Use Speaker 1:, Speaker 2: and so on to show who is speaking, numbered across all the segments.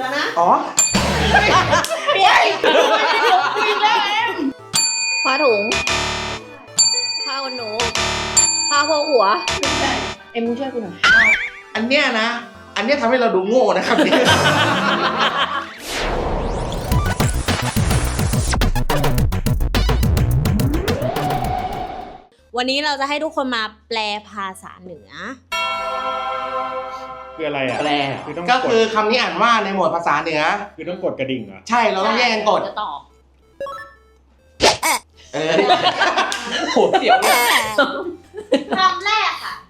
Speaker 1: แล้วนะ
Speaker 2: อ๋อ
Speaker 1: เปลี่ยนคุยแล้ว
Speaker 3: ผ้าถุงผ้าขนหนูผ้าโพกหัว
Speaker 1: ไม่ใช่
Speaker 3: เอ็มมึงช่วยกูหน่อย
Speaker 2: อันเนี้ยนะ อันเนี้ยทำให้เราดูโง่นะครับเนี่ย
Speaker 1: วันนี้เราจะให้ทุกคนมาแปลภาษาเหนือ
Speaker 4: คืออะไรอ่ะ
Speaker 2: แปล
Speaker 4: คือต้อง
Speaker 2: ก็
Speaker 4: ก
Speaker 2: คือ
Speaker 4: ด
Speaker 2: คำนี้อ่านว่าในหมวดภาษาเหนือ
Speaker 4: คือต้องกดกระดิ่งเหรอ
Speaker 2: ใช่ เราต้องแย่งกันกด
Speaker 1: จะตอบ
Speaker 2: เออ
Speaker 5: โหเสียวเลย
Speaker 1: คำแรกค่ะ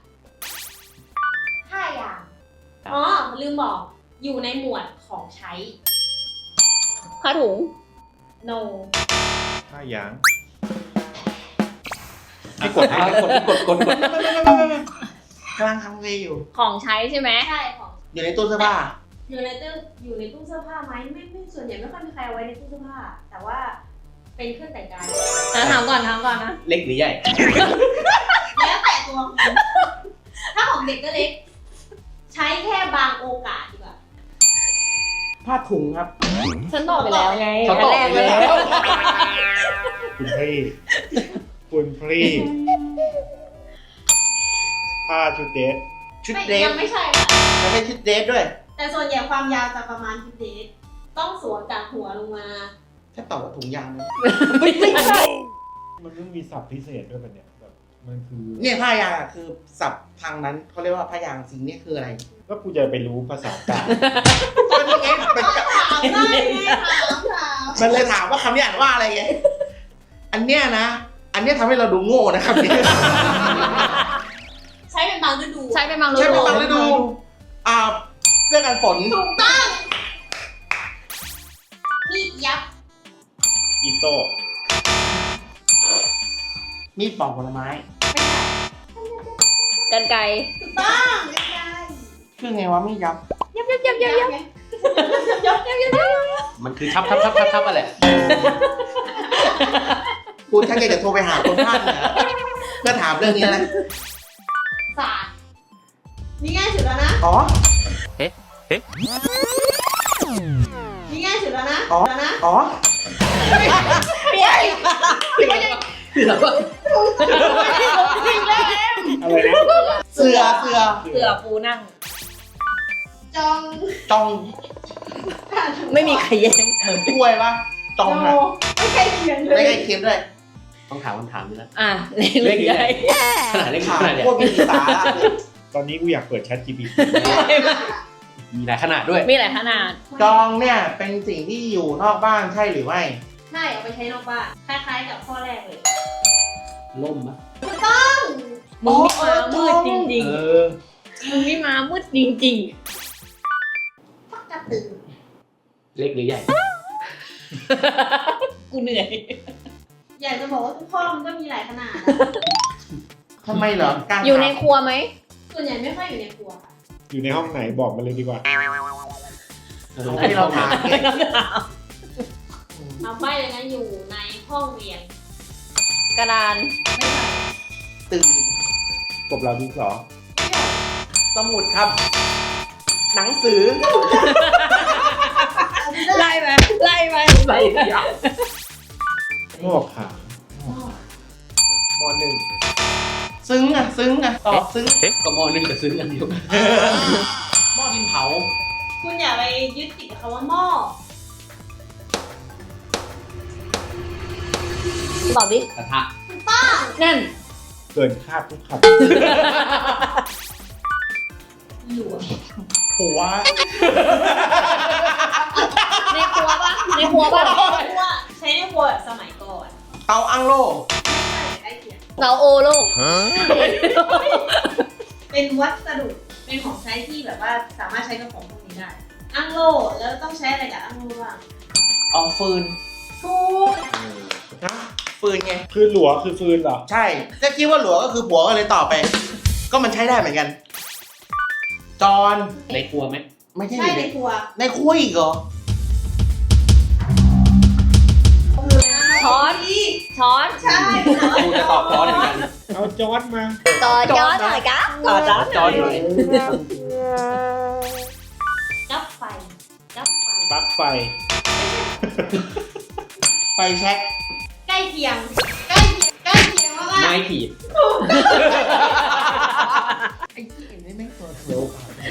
Speaker 1: 5 อย่างอ๋อลืมบอกอยู่ในหมวดของใช้
Speaker 3: ผ้าถุง
Speaker 1: no
Speaker 4: ถ้าอย่าง
Speaker 5: ให้กดกด
Speaker 2: กำลังทำเลยอยู่
Speaker 3: ของใช้ใช่ไหม
Speaker 1: ใช่ของ
Speaker 2: อยู่ในตู้เสื้อผ้า
Speaker 1: อยู่ในตู้เสื้อผ้าไหมไม่ส่วนใหญ่ไม่ค่อยมีใครเอาไว้ในตู้เสื้อผ้า แต่ว่าเป็นเครื่องแต่งกาย
Speaker 3: ถามก่อนนะ
Speaker 5: เล็กหรือใหญ่
Speaker 1: แล้วแต่ตัวคุณถ้าของเด็กก็เล็ก ใช้แค่บางโอกาสดีกว่า
Speaker 2: ผ้าถุงครับ
Speaker 3: ฉันตอบไปแล้วไง
Speaker 5: เขาตอบไปแล้ว
Speaker 4: คุณพี่คุณพี่ผ้าชุดเดท
Speaker 2: ชุดเดรส
Speaker 1: ยังไม่ใช่ค่ะ
Speaker 2: ไม่ใช่ชุดเดรสด้วย
Speaker 1: แต่ส่วนใหญ่ความยาวจะประมาณชุดเดทต้องสวมจากหัวลงมา
Speaker 2: ถ้าตอบว่าถุงยางนะ
Speaker 4: มันต้องมีศัพท์พิเศษด้วยป่ะเนี่ยแบบมันคือ
Speaker 2: เนี่ยผ้ายางอ่ะคือศัพท์ทางนั้นเขาเรียกว่าผ้ายางสิ่งนี้คืออะไร
Speaker 4: ก็กูจะไปรู้ภาษากลาง
Speaker 2: ก็นี่ไงเป็นกับ
Speaker 1: ถามได้ไงถาม
Speaker 2: มันเลยถามว่าคำนี้อ่านว่าอะไรไง อันเนี้ยนะ อันเนี้ยทำให้เราดูโง่นะครับเนี่ย
Speaker 1: ใช้เป็นบางฤดู
Speaker 3: ใช้เป็นบางฤ
Speaker 2: ใช่
Speaker 3: ดู
Speaker 2: เป็นบางฤดู เสื้อกันฝน
Speaker 1: ถูกต้องมีดยับ
Speaker 4: อีโต้
Speaker 2: มีดปอกผลไม้
Speaker 3: กันไกร
Speaker 1: ถูกต้องไม่ใช่
Speaker 2: คือไงวะมีดยับ
Speaker 3: ยับยับยับยับยับ
Speaker 1: ไง
Speaker 5: มันคือทับอะไร
Speaker 2: กูชักอยากจะโทรไปหาคนภาคเหนือเพื่อถามเรื่องนี้นะ
Speaker 1: ศาสตร์นี่ง่ายสุดแล้วนะ
Speaker 2: อ๋อ
Speaker 1: นี่ง่ายสุดแล้วนะ
Speaker 2: อ๋อ
Speaker 1: แล้วนะ
Speaker 2: อ๋อ
Speaker 1: เปลี่ยน
Speaker 4: อะไรนะ
Speaker 2: เสือ
Speaker 3: เสือปูนั่ง
Speaker 1: จอง
Speaker 2: จอง
Speaker 3: ไม่มีใครแย่ง
Speaker 2: เหมือนถ้วยปะจองอะ
Speaker 1: ไม่ใช่เขียนเล
Speaker 2: ไม่
Speaker 1: ย
Speaker 2: ใกล้เคียงด้วย
Speaker 5: ต้องถามคำถามนี้แล้ว
Speaker 3: อ่ะเล็กใหญ่
Speaker 5: ขนาดเล็ก
Speaker 2: ถาม
Speaker 5: ขนาดเนี่ย
Speaker 2: พวกมีสาระเลย
Speaker 4: ตอนนี้กูอยากเปิด Chat GPT
Speaker 5: มีหลายขนาดด้วย
Speaker 3: มีหลายขนาด
Speaker 2: จองเนี่ยเป็นสิ่งที่อยู่นอกบ้านใช่หรือไม่
Speaker 1: ใช่เอาไปใช้นอกบ้านคล้ายๆกับข้อแรกเลย
Speaker 5: ล่มนะ
Speaker 3: มึงนี่มามืดจริง
Speaker 5: เออ
Speaker 3: ๆมึงนี่มามืดจริง
Speaker 1: ปักกระตือ
Speaker 5: เล็กหรือใหญ่
Speaker 3: ๆ กูเหนื่อย
Speaker 1: อยากจะบอกว่าทุกข้อมันก็มีหลายขนาด
Speaker 2: ทำไมเหรอ การ
Speaker 3: อยู่ในครัวไหม
Speaker 1: ส่วนใหญ่ไม่ค่อยอยู่ในครัวค่ะ
Speaker 4: อยู่ในห้องไหนบอกมาเลยดีกว่า
Speaker 2: ที่เราถามเนี่ย
Speaker 1: เอาไปเลยนะอยู่ในห้องเรียน
Speaker 3: กระดาน
Speaker 1: ไม่ใช่
Speaker 2: ตื่น
Speaker 4: กบเราดินสอ
Speaker 2: สมุดครับ หนังสือ
Speaker 3: ไล่ไหมไล่ไหม
Speaker 5: ไรอย่าง
Speaker 4: งอกขาม
Speaker 2: หนึ่งซึ้งอ่ะตอบซึ้ง
Speaker 5: ก็มอนึงกับซื้อกันเดียวกัน
Speaker 2: หม้อดินเผา
Speaker 1: คุณอย่าไปยึดติดกับคำว่าหม้อ
Speaker 3: ตอบดิ
Speaker 5: กระทะ
Speaker 3: นั่น
Speaker 4: เกินคาดทุกค
Speaker 1: หลวง
Speaker 2: หัว
Speaker 3: ในครัวปะในครัวปะ
Speaker 1: ครัวใช้ในครัวแบบสมัยก่อน
Speaker 2: เตาอั้งโล่
Speaker 1: ไม่ใช่ใกล้เคียง
Speaker 3: เราโอโลก
Speaker 1: เป็นวัสดุเป็นของใช้ที่แบบว่าสามารถใช้กับของพวกนี้ได้อั้งโลแล้วต้องใช้อะไรกับอั้งโลบ้าง
Speaker 2: เอาฟืน
Speaker 1: ถูก
Speaker 2: นะฟืนไง
Speaker 4: ำคือหลัวคือฟืนเหรอ
Speaker 2: ใช่ถ้าคิดว่าหลัวก็คือผัวก็เลยตอบไป ก็มันใช้ได้เหมือนกัน จอน
Speaker 5: ในครัวไหม
Speaker 2: ไม่ใช่
Speaker 1: ใช่ในครัว
Speaker 2: ในครัวอีกเหรอ
Speaker 3: ช้อน ช้อน
Speaker 1: ใช่
Speaker 5: กูจะตอบร้อนเหมือนกัน
Speaker 4: เอาจอร์ดมา
Speaker 3: ต่อจอนหน่อยกะต่อจอน
Speaker 5: จอนหน่อย
Speaker 1: กับไฟกับไฟ
Speaker 4: ไฟ
Speaker 2: ไฟแช็ก
Speaker 1: ใกล้เคียงมาก
Speaker 5: ไม้ขีด
Speaker 2: ไอ้ที่เห็นไม่ตัวเขียว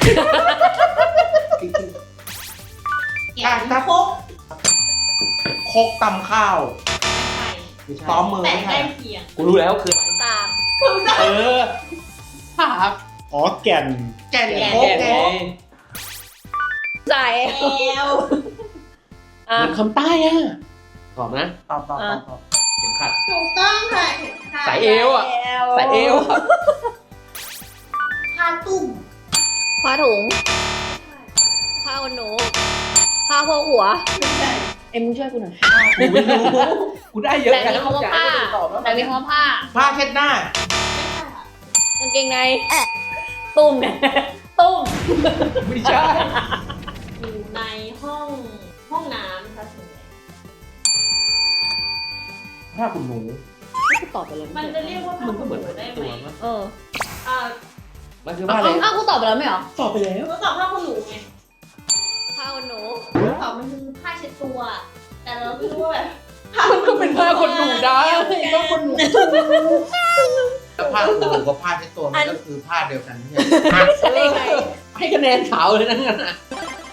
Speaker 2: ถ้าโคกตำข้าว
Speaker 5: ไม่ใช่
Speaker 2: ซ้อมมือ
Speaker 1: แต่
Speaker 2: ไม่
Speaker 1: ใก
Speaker 2: ใช่
Speaker 1: ล้เคียง
Speaker 5: กูรู้แล้วคืออะไร
Speaker 3: สาก
Speaker 5: เออภาพ
Speaker 4: อ๋อแก่น
Speaker 2: แก่น
Speaker 5: แก
Speaker 2: โคกไง
Speaker 3: ใส่
Speaker 1: แล้ว
Speaker 3: อ่ะ
Speaker 5: มันคำใต้อ่ะตอบนะ
Speaker 2: ตอบ
Speaker 5: เข็มขัด
Speaker 1: ถูกต้องค่ะเห็นค่ะ
Speaker 5: สายเอวอ่ะสายเอวอะ
Speaker 1: ผ้าตุ้ม
Speaker 3: ผ้าถุง ผ้าขนหนู ผ้าโพกหัว
Speaker 1: ไม่ใช่
Speaker 3: เอ็มมึงช่วยกูหน่อย
Speaker 5: กูไม่รู้กูได้เยอะ
Speaker 3: แต่มีคำว่าผ้า แต่มีคำว่าผ้า
Speaker 2: ผ้าเช็ดหน้า
Speaker 1: ไม่ใช่ค่ะ
Speaker 3: กางเกงในตุ้มเนี่ยตุ้ม
Speaker 5: ไม่ใช่
Speaker 1: อยู่ในห้องน้ำค่ะส่วนใหญ่
Speaker 2: ผ้าขุนหนู
Speaker 3: กูตอบไปแล้ว
Speaker 1: มันจะเรียกว่าผ้า
Speaker 5: มันก็
Speaker 1: ขน
Speaker 5: เหมือน
Speaker 1: หนูได้ไห
Speaker 5: ตั
Speaker 1: ม
Speaker 5: วมั้ย
Speaker 3: เออ
Speaker 5: มันคือผ้าอะไร
Speaker 3: อ้าวกูตอบไปแล้วไม่เหรอ
Speaker 5: ตอบไปแล้ว
Speaker 1: ก็ตอบผ้าขนหนูไง
Speaker 3: ผ้าขนหนู
Speaker 1: ตอบมันคือผ้าเช็ดตัว แต่เราไม่รู้ว่าแบบ
Speaker 5: มันก็เป็นผ้าคนหนูได้ผ้าคนหนู
Speaker 2: ผ้าขุนหนูกับผ้าเช็ดตัวมันก็คือผ้าเดียวกันใช่ไหม
Speaker 3: ใช่ไง
Speaker 5: ให้คะแนนขาวเลยนะงั้นอ่ะ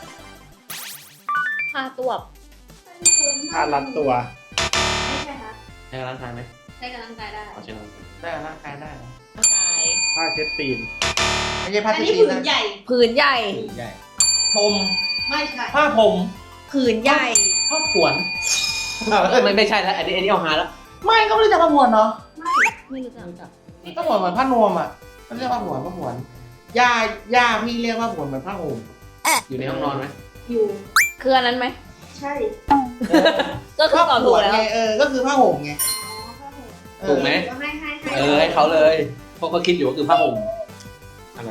Speaker 3: ผ้าตวบ
Speaker 4: ผ้ารัดตัว
Speaker 1: ไม่ใช่ค่ะ
Speaker 5: ใช้กำลังกายไหม
Speaker 1: ใช้กำลังกายได้
Speaker 5: เอาใช้กำลังกาย
Speaker 2: ได้ร่างกายได้เหรอ
Speaker 3: ร่างกาย
Speaker 4: ผ้าเช็ดตีน
Speaker 2: ไม่ใช่ผ้า
Speaker 1: อัน
Speaker 2: เช็ด
Speaker 1: นี้
Speaker 2: ตีน
Speaker 1: ผืน
Speaker 2: นะ
Speaker 1: ใหญ่
Speaker 3: ผืนใหญ่
Speaker 2: ผืนใหญ่พรม
Speaker 1: ไม่ใช่
Speaker 2: ผ้าผม
Speaker 3: ผืนใหญ่
Speaker 5: ผ้าขวนไม่ใช่แล้วอันนี้เอาหาแล้ว
Speaker 2: ไม่ก็ไม่รู้จักผ้าหวนเนาะ
Speaker 3: ไม่รู้จัก
Speaker 2: ก็เหมือนผ้านวมอ่ะก็เรียกผ้าหวนย่าพี่เรียกว่าหวนเหมือนผ้าห่ม
Speaker 5: อยู่ในห้องนอนไหม
Speaker 1: อยู่
Speaker 3: คืออันนั้นไหม
Speaker 1: ใช่
Speaker 3: ก็คือตอบถูกแล้ว
Speaker 2: ไงก็คือผ้าห่มไง
Speaker 5: ถูกไหม
Speaker 1: ให้
Speaker 5: ให้เขาเลยเพราะเขาคิดอยู่ว่าคือผ้าห่ม
Speaker 4: อะไร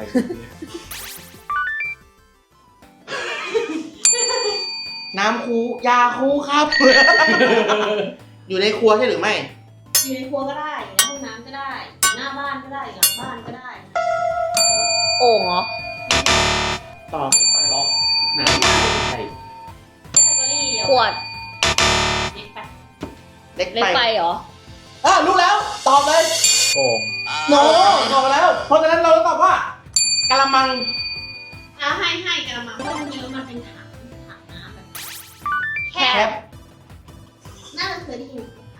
Speaker 2: น้ำคูยาคูครับ อยู่ในครัวใช่หรือไม่
Speaker 1: อยู่ในครัวก็ได้อยู่ในห้องน้ำก็ได้ หน้าบ้านก็ได้ หลังบ้านก็ได้
Speaker 3: โอ่งเหรอ
Speaker 4: ตอบ
Speaker 5: ล็อกน้ำใช่
Speaker 1: แคตตาล็อเดียว
Speaker 3: ขวด
Speaker 1: เล็กไป
Speaker 2: เล็ก
Speaker 3: เล็ก
Speaker 2: ไป
Speaker 3: ไปเหรอ
Speaker 2: รู้แล้ว ตอบเลย
Speaker 4: โอ่ง
Speaker 2: โนตอบมาแล้ว เพราะฉะนั้นเราต้องตอบว่ากะละมัง
Speaker 1: เอาให้กระมังเพราะจริงๆแล้วมันเป็นถังน้ำแบบแค
Speaker 2: แค
Speaker 1: บ
Speaker 2: ป
Speaker 1: น่าจะเคยได้ยิน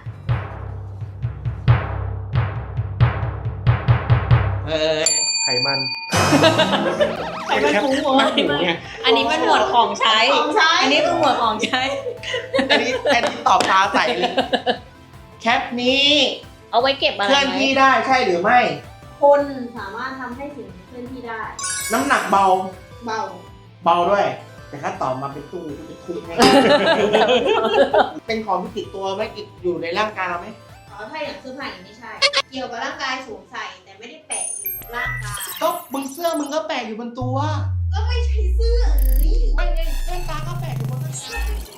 Speaker 4: ไขมัน
Speaker 1: ไข่มันถุงหัว
Speaker 5: ถูกไง
Speaker 3: อันนี้มันหมวดของใช้
Speaker 1: ของใช้
Speaker 3: อันนี้คือหมวดของใช้
Speaker 2: อันนี้ตอบตาใสเลย แคปนี้
Speaker 3: เอาไว้เก็บอะไร
Speaker 2: เคลื่อน
Speaker 3: ไหม
Speaker 2: ที่ได้ใช่หรือไม่
Speaker 1: คนสามารถทำให้สิ่งเคลื่อนที่ได้
Speaker 2: น้ำหนักเบา
Speaker 1: เบา
Speaker 2: เบาด้วย แต่ถ้าตอบมาเป็นตู้เป็นคุกให้ เป็นของที่ติดตัวไหมติดอยู่ในร่างกายเราไหม
Speaker 1: ถ้าอย่างเสื้อผ้าอย่างไม่ใช่ เกี่ยวกับร่างกายสวมใส่แต่ไม่ได้แปะอยู่กับร่างกาย
Speaker 2: ก็มึงเสื้อมึงก็แปะอยู่บนตัว
Speaker 1: ก็ไม่ใช่เสื้อนี่
Speaker 2: ไม่ไงแว่นตาก็แปะอยู่บนตัว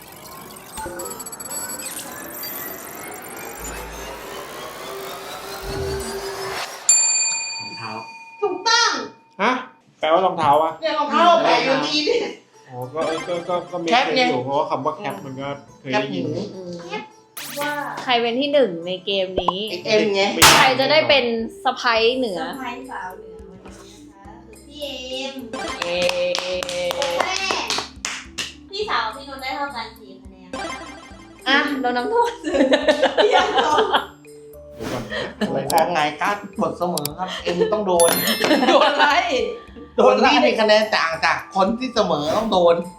Speaker 5: รองเท้า
Speaker 1: ถูกต้อง
Speaker 4: ฮะ แปลว่ารองเท้าอะ
Speaker 2: เนี่ยรองเท้าแปะอยู่ดีนี่
Speaker 4: อ๋อ ก็มี
Speaker 2: แคป
Speaker 4: เคย
Speaker 2: ไง
Speaker 4: อยู่เพราะว่าคำว่าแคปมันก็เคย
Speaker 2: แคป
Speaker 4: ได้
Speaker 2: ห
Speaker 4: ยิน
Speaker 2: มู
Speaker 3: อืม
Speaker 1: ว่า
Speaker 3: ใครเป็นที่หนึ่งในเกมนี้
Speaker 2: ไอเอ็มไง
Speaker 3: ใครจะได้เป็นสะพ้ยเหนือ
Speaker 1: สะพ้ายสาวเหนือวันนี้นะคะคือพี่เอ็ม
Speaker 3: เอ
Speaker 1: แม่พี่สาวพี่นนท์ได้เท่ากัน4 คะแนน
Speaker 3: อ่ะโดนน้ำโทษ
Speaker 1: พี่ยังตอบ
Speaker 4: เดี๋ยวก่อนนะ
Speaker 2: โอ้ยของไงการ์ดกดเสมอครับ เอ็มต้องโดน
Speaker 5: โดนอะไร
Speaker 2: โดนที่มีคะแนนต่างจากคนที่เสมอต้องโดน